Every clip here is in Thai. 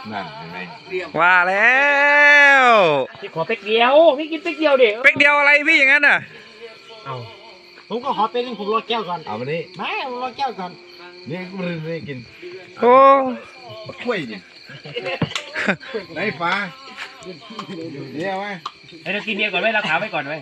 นั่นเห็นไหมว่าแล้วพี่ขอเป๊กเดียวพี่กินเป๊กเดียวเด็กเป๊กเดียวอะไรพี่อย่างนั้นน่ะเอาผมก็ขอเป็นผมรอแก้วก่อนเอามานี่ไม่ผมรอแก้วก่อนนี่กูไม่ได้กินโอ้กล้วยเนี่ยไหนฟ้าเดี๋ยวไหมเรากินเบียร์ก่อนไหมเราขาวไว้ก่อนไหม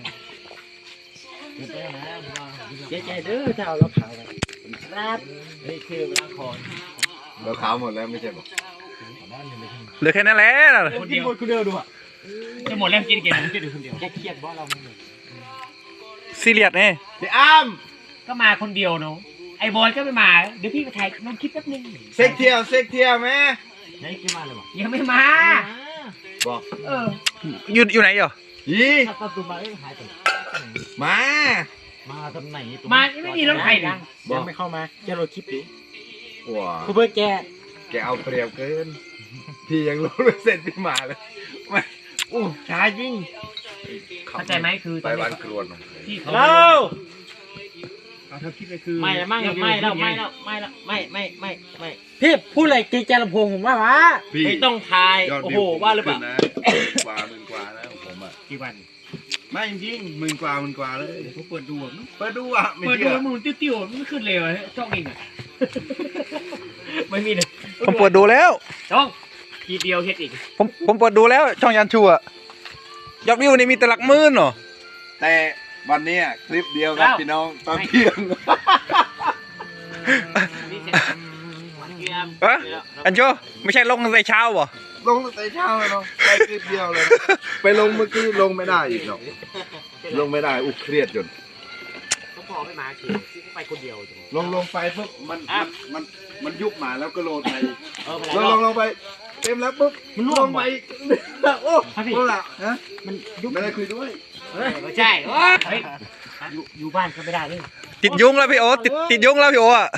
เจ๊ใจเด้อถ้าเอาเราขาวไปครับนี่คือล้างคอเราขาวหมดแล้วไม่ใช่หรอเหลือแค่นั้นแหละคนเดียวคนเดียวดูอ่ะจะหมดแล้วกินเกมผมจะดูคนเดียวแค่เครียดเพราะเราไม่หมดซีเรียสนี่พี่อ้ามก็มาคนเดียวเนาะไอ้บอลก็ไม่มาเดี๋ยวพี่ไปถ่ายลงคลิปแป๊บนึงเซ็กเที่ยวไหมไหนขึ้นมาเลยวะยังไม่มาบอกเอออยู่ไหนอยู่ยีถ้าประตูมาหายไปมามาตำไหนมาไม่มีรถไฟเลยยังไม่เข้ามาแกโรคลิปดิว้าคุณเพื่อแกแกเอาเปรียบเกินพี่ยังรู้ไม่เสร็จพี่มาเลยไม่อู้ช้ายิ่งเข้าใจไหมคือไปวันกรวนที่เขาเราเอาเธอคิดไปคือไม่แล้วไม่พี่พูดอะไรกีแจลำโพงผมว่าวะไม่ต้องทายโอ้โหว่าหรือเปล่ากว่าหมื่นกว่าแล้วผมอ่ะกี่วันไม่จริงหมื่นกว่าเลยเขาเปิดดูเปิดดูอ่ะไม่เปิดดูเชื่อมันติ้วๆมันไม่ขึ้นเลยช่องเองอ่ะไม่มีเลยผมเปิดดูแล้วช่องทีเดียวเฮ็ดอีกผมเปิดดูแล้วช่องยันชัวยอดวิวนี่มีแต่หลักหมื่นเหรอแต่วันนี้คลิปเดียวครับพี่น้องตอนเที่ยงฮะอันโชไม่ใช่ลงในเช้าเหรอลงตั้งแต่เช้าเลยเนาะไปคลิปเดียวเลย ไปลงเมื่อกี้ลงไม่ได้อีกเนาะลงไม่ได้อุกเครียดจนเขาพอไม่มาขี่ไปคนเดียวลงไปปุ๊บมันยุบมาแล้วก็โหลดไปเออไปลงไปเต็มแล้วปุ๊บมันลงไปโอ้โหล่ะฮะมันยุบไม่ได้คุยด้วยไม่ใช่เฮ้ยอยู่บ้านก็ไม่ได้เลยติดยุงแล้วพี่โอติดยุงแล้วพี่โออ่ะ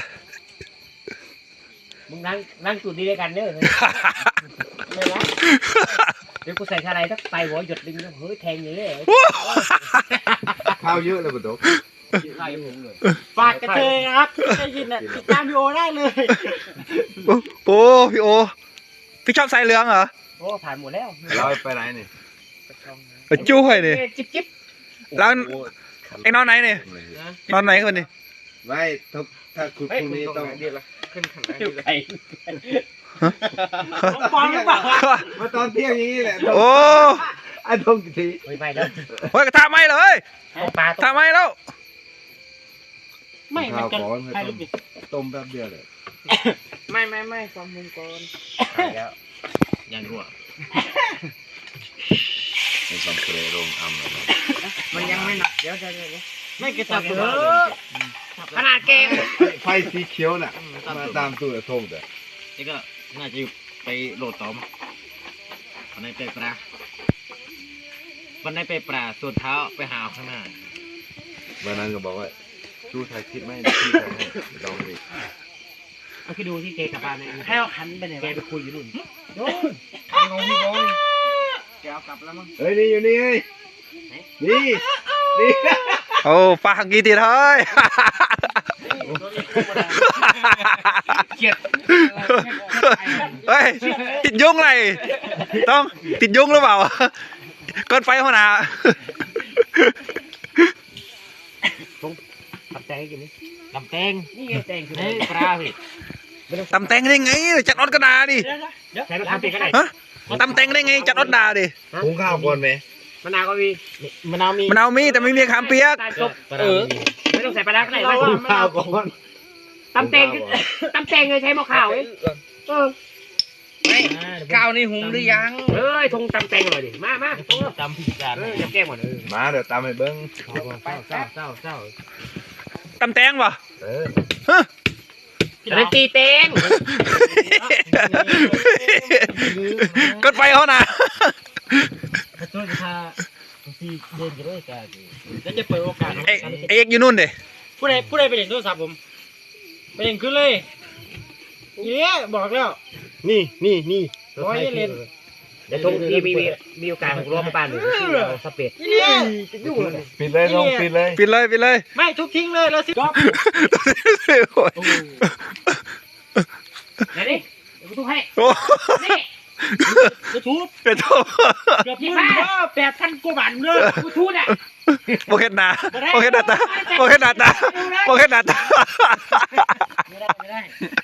มึงนั่งจุดนี้ด้วยกันเด้อไม่รักเดี๋ยวกูใส่อะไรสักไปหัวหยดดึงเฮ้ยแทงอย่างนี้เลยข้าวเยอะเลยปุ๊บไล่ผมเลยฝากกระเทยครับได้ยินอ่ะติดตามพี่โอได้เลยโอ้พี่โอพี่ชอบสายเหลืองเหรอโอ้ผ่านหมดแล้วเราไปไหนนี่ไปจุ้ยนี่จิ๊บแล้วไอ้นอนไหนนี่นอนไหนคนนี่ไม่ถ้าคุณพรุ่งนี้ต้องขึ้นขันไอ้ปอนหรือเปล่ามาตอนเที่ยงอย่างนี้แหละโอ้ไอ้ทงกี่ทีไม่แล้วเฮ้ยกระทะไหมเลยปลาทำไมแล้วไม่มันจะใครรู้ดิต้มแป๊บเดียวเลยไม่ฟังมึงก่อนแล้วยังรั่วในคำเคยโรงอัมมันยังไม่หนักเดี๋ยวไม่กระตับเถอขนาดเกมไฟสีเขียวน่ะมาตามตัวทงแต่นี่ก็น่าจะไปโหลดต่อมาวันนี้ไปปลาวันนี้ไปปลาส่วนเท้าไปหาข้างหน้าวันนั้นก็บอกว่าชูไทยคิดไหมที่ทำให้ลองดิเอาคิดดูที่เกกลับบ้านเนี่ยให้เอาขันไปไหนแกวะไปคุยอยู่นู่นแกเอากลับแล้วมั้งเฮ้ยนี่อยู่นี่นี่นี่โอ้ปลากี่ทีเฮ้ยเกลียดเฮ้ยติดยุงไรต้องติดยุงหรือเปล่าก้อนไฟหัวหน้าตับแตงกินนี่ลำแตงนี่ไงแตงคือนี่ปลาพี่ตำแตงได้ไงจัดออดกระดาดิใช้รถทำเป็นก็ได้ฮะตำแตงได้ไงจัดออดดาดิหุงข้าวก่อนไหมมะนาวก็มีมะนาวมีมันเอามีแต่ไม่มีขามเปียกไม่ต้องใส่ปลาก็ได้หุงข้าวก่อนตำแตงเลยใช้หม้อข้าวเองข้าวนี่หุงหรือยังเอ้ยทงตำแตงหน่อยดิมาจำผิดจานจะแก้หมดมาเดี๋ยวตามให้เบิ้งเจ้าตำแตงป่ะเอออะไรตีแตงก้อนไฟเขาน่ะขอโทษค่ะที่เดินกันด้วยกันแล้วจะเปิดโอกาสเอ็กอยู่นู่นเด้ผู้ใดไปเล่นโทรศัพท์ผมไปเล่นขึ้นเลยเนี่ยบอกแล้วนี่ร้อยเล่นเดี๋ยวทงที่มีโอกาสของรอบบ้านหรือที่เราสเปดนี่จะยุ่งเลยปิดเลยลงปิดเลยปิดเลยไม่ทุบทิ้งเลยแล้วสิก๊อฟไหนดิเดี๋ยวกูทุกให้โอ้นี่กูทูบเป็นโทษเกือบ8,000 กว่าบาทเลยกูทูบอ่ะโมเห็นหนาโมเห็นหน้าตาโมเห็นหน้าตาโมเห็นหน้าตาไม่ได้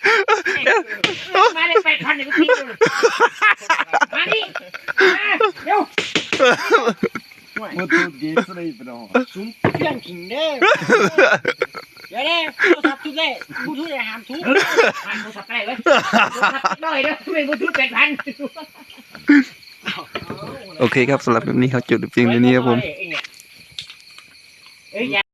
มาได้8,000เนี่ยกูทิ้งเลยมาดิเดี๋ยวมันถูกดีสุดเลยพี่น้องซุ่มเพื่อนขิงเด้อเดี๋ยวเนี่ยโทรศัพท์ทุบเลยบูทูธอย่าห้ามทุบห้ามโทรศัพท์ได้เว้ยโทรศัพท์น้อยเด้อไม่บูทูธ8,000 โอเคครับสำหรับแบบนี้เขาจุดเพียงเท่านี้ครับผมเอ้ย